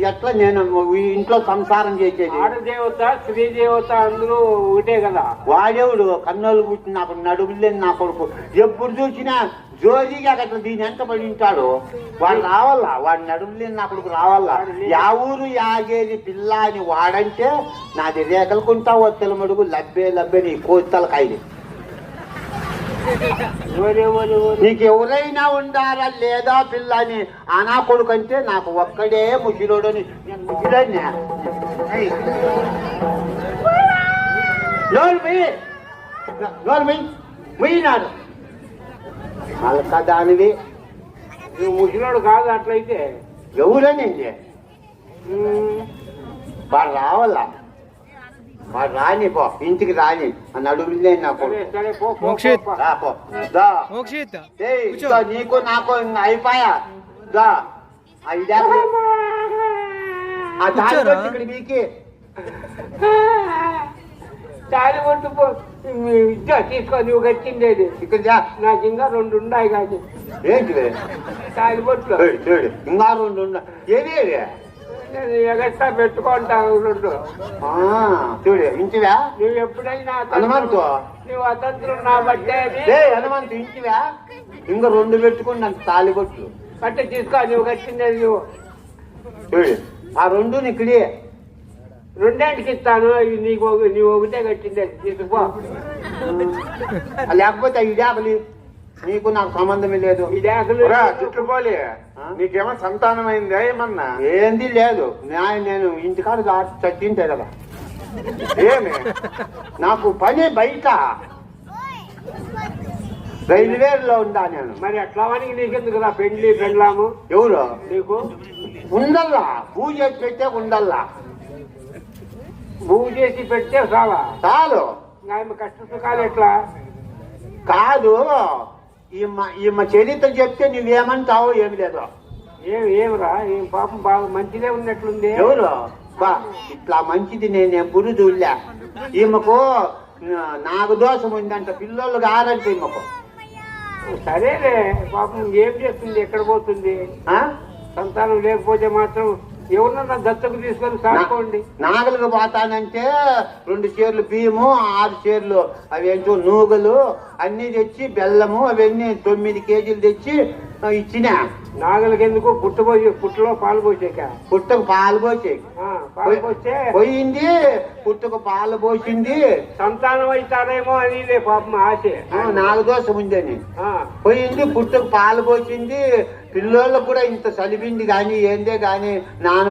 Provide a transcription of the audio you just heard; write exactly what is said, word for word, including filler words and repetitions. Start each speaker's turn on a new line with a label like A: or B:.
A: ఎట్లా నేను ఈ ఇంట్లో సంసారం చేసేది?
B: ఆడదేవత స్త్రీ దేవత అందరూ ఒకటే కదా.
A: వాడేవుడు కన్నులు పుట్టి నాకు నడుములేని నా కొడుకు ఎప్పుడు చూసినా జోజీగా అట్లా దీని ఎంత పడి ఉంటాడు. వాడు రావాలా, వాడు నడుములేని నా కొడుకు రావాలా. యా ఊరు యాగేది పిల్ల అని వాడంటే నాది రేకలుకుంటా వత్తల మడుగు లబ్బే లబ్బే నీ కోస్తలకాయలు. నీకు ఎవరైనా ఉండారా లేదా పిల్ల అని అనా కొడుకు అంటే నాకు ఒక్కడే ముసిలోడు అని నేను ముసిలోని పోయినాడు అల్క దానివి.
B: నువ్వు ముసిలోడు కాదు అట్లయితే.
A: ఎవరని వాడు రావాలా, వాడు రాని పో ఇంటికి రాని అని అడుగులే నాకు. నీకు నాకు అయిపోయా దా ఇక్కడ మీకి
B: చాలి కొట్టు తీసుకో. నువ్వు కట్టిండేది
A: ఇక్కడ
B: నాకు ఇంకా రెండు ఉన్నాయి కాదు.
A: ఏంటి
B: చాలి కొట్లు
A: ఇంకా రెండు ఉన్నాయి. ఏది
B: నేను ఎగస్ట్రా పెట్టుకుంటావు రెండు.
A: చూడు ఇంటివా
B: నువ్వు ఎప్పుడైనా
A: హనుమంతు
B: నువ్వు అతంత్రం నా బట్టే
A: హనుమంతు ఇంటివా ఇంకా రెండు పెట్టుకున్నాను తాలిబొట్లు
B: బట్టే తీసుకో. నువ్వు కట్టిండేది నువ్వు
A: చూడు ఆ రెండు ఇక్కడే
B: రెండేంటికి ఇస్తాను. నీకు నీవు ఒకటే కట్టిండేది తీసుకో.
A: లేకపోతే ఇడాకలి నీకు నాకు సంబంధమే లేదు.
B: చుట్టుకోలే
A: నీకేమో సంతానం అయిందా ఏమన్నా? ఏంది లేదు. నేను ఇంటికాడ చచ్చింటే కదా. ఏమి నాకు పని బయట రైల్వేలో ఉందా నేను.
B: మరి అట్లా వానికి నీకెందుకు రా పెండ్లి పెండ్లాము?
A: ఎవరు
B: నీకు
A: ఉండల్లా పూజ చేసి పెట్టే ఉండల్లా.
B: పూజ చేసి పెడితే చాలా
A: చాలు.
B: కష్ట సుఖాలు ఎట్లా
A: కాదు. ఈమె చరిత్ర చెప్తే నువ్వేమంటావు? ఏమి లేదు.
B: ఏమి ఏమిరా ఏం పాపం బాగా మంచిదే ఉన్నట్లుంది.
A: ఎవరు బా ఇట్లా మంచిది నేను ఎప్పుడు చూడలే. ఈమెకు నాకు దోషం ఉందంట, పిల్లలు కాదంటే ఈమెకు.
B: సరేలే పాపం ఏం చేస్తుంది, ఎక్కడ పోతుంది? సంతానం లేకపోతే మాత్రం ఎవరన్నా దత్తకు తీసుకొని సాగుకోండి.
A: నాగలికి పోతానంటే రెండు చీరలు బియ్యము, ఆరు చీరలు అవేంటో నూగలు అన్ని తెచ్చి బెల్లము అవన్నీ తొమ్మిది కేజీలు తెచ్చి ఇచ్చిన.
B: నాగలికి ఎందుకు? పుట్ట పోసి పుట్టలో పాలు పోసాక
A: పుట్టకు పాలు పోసే
B: పాలు పోస్తే
A: పోయింది. పుట్టకు పాలు పోసింది.
B: సంతానం అవుతారేమో అని పాపం ఆశ.
A: నాకు దోషం ఉందని పోయింది. పుట్టకు పాలు పోసింది. పిల్లోళ్ళకు కూడా ఇంత సలిపింది కానీ ఏందే గాని నాన్న